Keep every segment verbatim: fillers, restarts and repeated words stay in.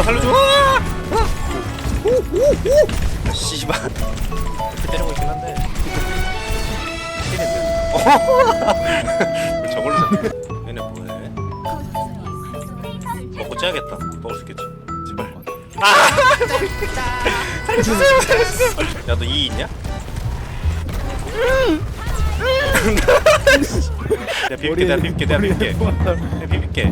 살려줘. 씨발. 때리고 있긴 한데. 왜 저걸로 잡냐? 얘네 뭐해? 먹고 째야겠다. 먹을 수 있겠지. 제발. 아! 살려주세요, 살려주세요. 야, 너 이 있냐? 내가 비빌게, 내가 비빌게, 내가 비빌게. 내가 비빌게.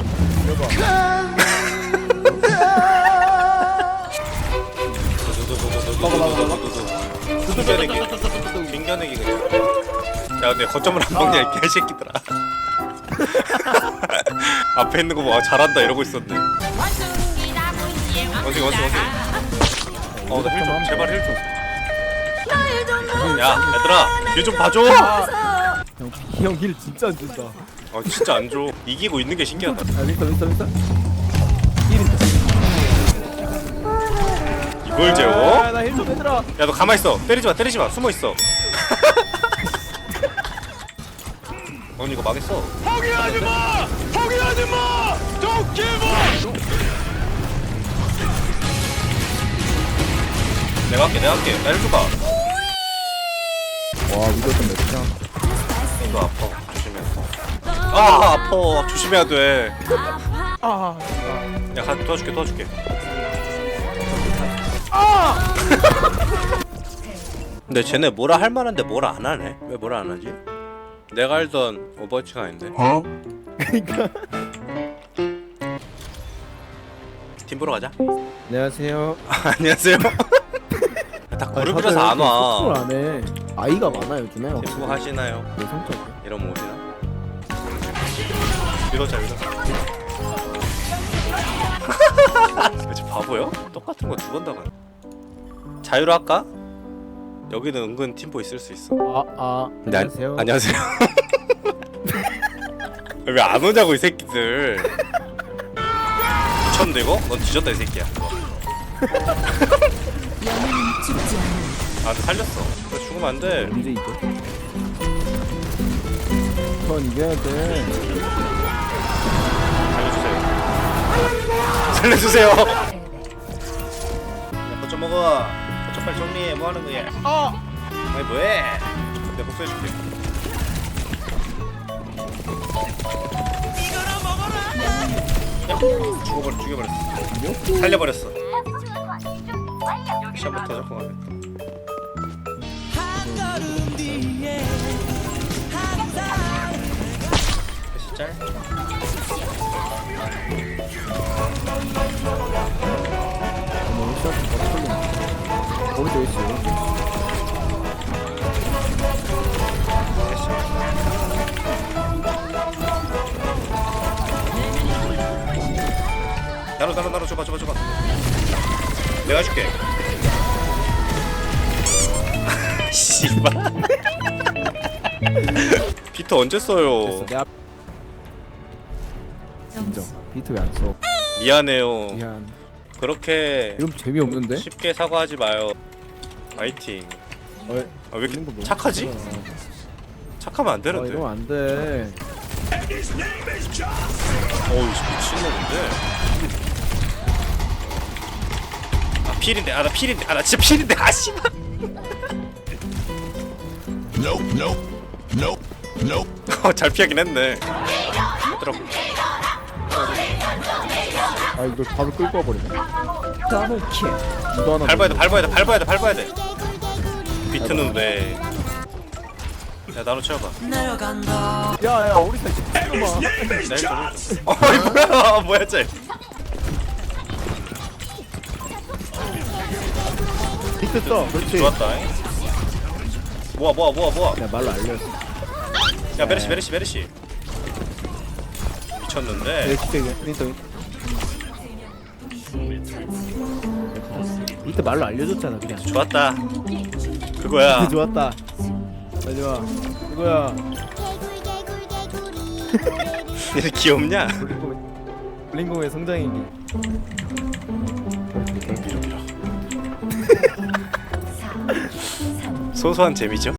빙겨내기, 빙겨내기 그냥. 야, 근데 거점을 안 먹냐 이 개새끼들아. 앞에 있는 거 뭐 잘한다 이러고 있었네. 원숭이, 원숭이, 원숭이. 어, 나 힐 좀, 제발 힐 좀. 야, 얘들아, 힐 좀 봐줘. 형 힐 진짜 안 준다. 아, 진짜 안 줘. 이기고 있는 게 신기하다. 아 윈터 윈터 윈터. 힐인다. 이걸 재워? 나힐 좀 해들아. 야, 너 가만 있어. 때리지 마, 때리지 마. 숨어 있어. 넌 이거 망했어. 포기하지 마! 포기하지 마! Don't give up! 내가 할게, 내가 할게. 나힐 줘봐. 와 위도 좀 맵다. 너 아파. 조심해. 아, 아파. 조심해야 돼. 아. 야, 가, 도와줄게, 도와줄게. 아. 근데 쟤네 뭐라 할 만한데 뭐라 안 하네. 왜 뭐라 안 하지? 내가 알던 오버워치가 아닌데. 어? 그러니까. 팀 보러 가자. 안녕하세요. 안녕하세요. 다 그룹이라서 안 와. 안 해. 아이가 많아 요즘에. 팀 뭐 하시나요? 내 성격. 이러면 오시나? 이러자, 이러자. 저 바보요? 똑같은 거 두 번 당한. 자유로 할까? 여기는 은근 팀보 있을 수 있어. 아 아. 네, 안- 안녕하세요. 안녕하세요. 왜 안 오냐고 이 새끼들. 미쳤는데 이거? 넌 뒤졌다 이 새끼야. 아, 근데 살렸어. 너 죽으면 안 돼. 언제 이겨? 전 이겨야 돼. 살려주세요. 살려주세요. 야, 거쳐 먹어. 거쳐 빨리 정리해. 뭐 하는 거야? 아. 아니 뭐해? 내가 복수해줄게. 야, 죽어버려, 죽여버렸어. 살려버렸어. 시작부터 잡고 가네. 다시 짤. 너무 시합 좀 걸리네. 오른쪽 있어. 나눠 나눠 나눠 줘봐 줘봐 줘봐. 내가 줄게. 씨발. 비트 언제 써요? 됐어. 내 앞. 인정. 비트 왜 안 써? 미안해요. 미안. 그렇게 이건 재미없는데? 쉽게 사과하지 마요. 파이팅. 어, 아, 왜 이런 거 이렇게 너무 착하지? 크잖아. 착하면 안 아 되는데. 이러면 안 돼. 어우 미친놈인데. 아 필인데. 아 나 필인데. 아 나 진짜 필인데. 아 씨발. Nope, nope, nope, nope. 어, 잘 피하긴 했네. 들어. 아 이걸 바로 끌고 와버리네. 더블킬. 이거 하나. 밟아야 돼. 밟아야 돼. 밟아야 돼. 밟아야 돼. 비트는 왜? 야 나로 채워봐. 야야 우리 사이 잠깐만. 나 좀. 어이 뭐야? 뭐야 쟤? 비트 써. 그렇지. 좋았다. 모아 모아 모아 모아. 야 말로 알렸어. 야 메르시 메르시 메르시. 미쳤는데. 엑스페 윈터. 비트 말로 알려줬잖아 그냥. 좋았다. 그거야. 비트 좋았다. 잘 좋아. 이거야. 얘 귀엽냐? 블링공의 블링공의 성장이기. 소소한 재미죠?